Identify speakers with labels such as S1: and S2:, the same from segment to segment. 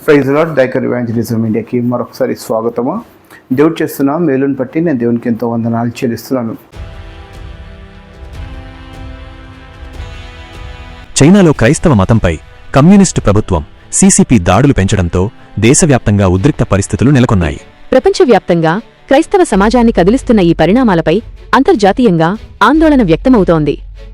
S1: Praise lord. డైకర్ evangelism ఇండియాకి మరొకసారి స్వాగతము. దేవుడు చేస్తున్న మేలుని బట్టి నేను దేవునికి ఎంతో వందనాలు చెల్లిస్తున్నాను.
S2: చైనాలో క్రైస్తవ మతంపై కమ్యూనిస్టు ప్రభుత్వం సిసిపి దాడులు పెంచడంతో దేశవ్యాప్తంగా ఉద్రిక్త పరిస్థితులు నెలకొన్నాయి.
S3: ప్రపంచవ్యాప్తంగా క్రైస్తవ సమాజాన్ని కదిలిస్తున్న ఈ పరిణామాలపై అంతర్జాతీయంగా ఆందోళన వ్యక్తమవుతోంది.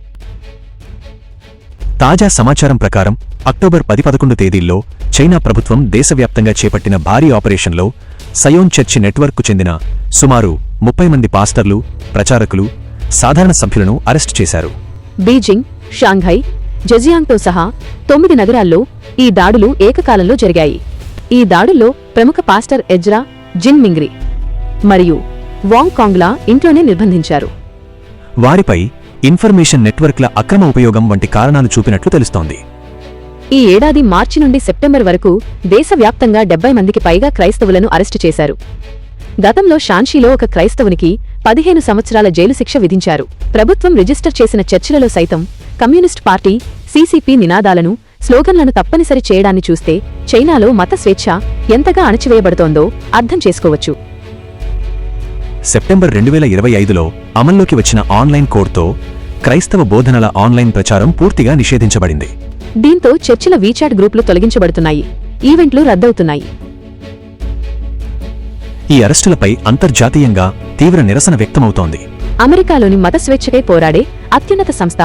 S2: తాజా సమాచారం ప్రకారం అక్టోబర్ 10-11 తేదీల్లో చైనా ప్రభుత్వం దేశవ్యాప్తంగా చేపట్టిన భారీ ఆపరేషన్లో సయోన్ చర్చి నెట్వర్క్కు చెందిన సుమారు 30 మంది పాస్టర్లు, ప్రచారకులు, సాధారణ సభ్యులను అరెస్టు చేశారు.
S3: బీజింగ్, షాంఘై, జెజియాంగ్తో సహా 9 నగరాల్లో ఈ దాడులు ఏకకాలంలో జరిగాయి. ఈ దాడుల్లో ప్రముఖ పాస్టర్ ఎజ్రా జిన్ మింగ్రీ మరియు వాంగ్ కాంగ్లా ఇంట్లోనే నిర్బంధించారు.
S2: వారిపై ఇన్ఫర్మేషన్ నెట్వర్క్ల అక్రమ ఉపయోగం వంటి కారణాలు చూపినట్లు తెలుస్తోంది.
S3: ఈ ఏడాది మార్చి నుండి సెప్టెంబర్ వరకు దేశవ్యాప్తంగా 70 మందికి పైగా క్రైస్తవులను అరెస్టు చేశారు. గతంలో షాన్షీలో ఒక క్రైస్తవునికి 15 సంవత్సరాల జైలు శిక్ష విధించారు. ప్రభుత్వం రిజిస్టర్ చేసిన చర్చిలలో సైతం కమ్యూనిస్ట్ పార్టీ సిసిపి నినాదాలను, స్లోగన్లను తప్పనిసరి చేయడాన్ని చూస్తే చైనాలో మత స్వేచ్ఛ ఎంతగా అణచివేయబడుతోందో అర్థం చేసుకోవచ్చు.
S2: సెప్టెంబర్ 2025లో అమల్లోకి వచ్చిన ఆన్లైన్ కోడ్తో క్రైస్తవ బోధనల ఆన్లైన్ ప్రచారం పూర్తిగా నిషేధించబడింది.
S3: దీంతో చర్చిల వీచాట్ గ్రూపులు తొలగించబడుతున్నాయి, ఈవెంట్లు రద్దవుతున్నాయి.
S2: ఈ అరెస్టులపై అంతర్జాతీయంగా తీవ్ర నిరసన వ్యక్తమవుతోంది.
S3: అమెరికాలోని మత స్వేచ్ఛకై పోరాడే అత్యున్నత సంస్థ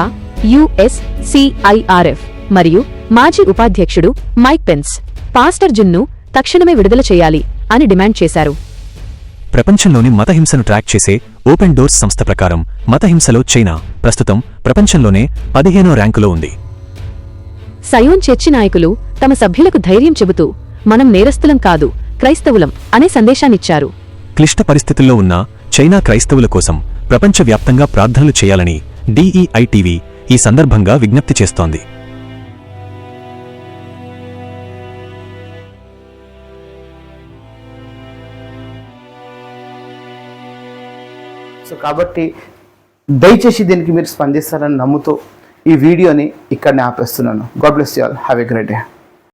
S3: USCIRF మరియు మాజీ ఉపాధ్యక్షుడు మైక్ పెన్స్ పాస్టర్ జిన్ను తక్షణమే విడుదల చేయాలి అని డిమాండ్ చేశారు.
S2: ప్రపంచంలోని మతహింసను ట్రాక్ చేసే ఓపెన్ డోర్స్ సంస్థ ప్రకారం మతహింసలో చైనా ప్రస్తుతం ప్రపంచంలోనే 15వ ర్యాంకులో ఉంది.
S3: సయోన్ చర్చి నాయకులు తమ సభ్యులకు ధైర్యం చెబుతూ మనం నేరస్తులం కాదు, క్రైస్తవులం అనే సందేశాన్నిచ్చారు.
S2: క్లిష్ట పరిస్థితుల్లో ఉన్న చైనా క్రైస్తవుల కోసం ప్రపంచవ్యాప్తంగా ప్రార్థనలు చేయాలని DEI-TV ఈ సందర్భంగా విజ్ఞప్తి చేస్తోంది.
S1: కాబట్టి దయచేసి దీనికి మీరు స్పందిస్తారని నమ్ముతూ ఈ వీడియోని ఇక్కడనే ఆపేస్తున్నాను. God bless you all. Have a great day.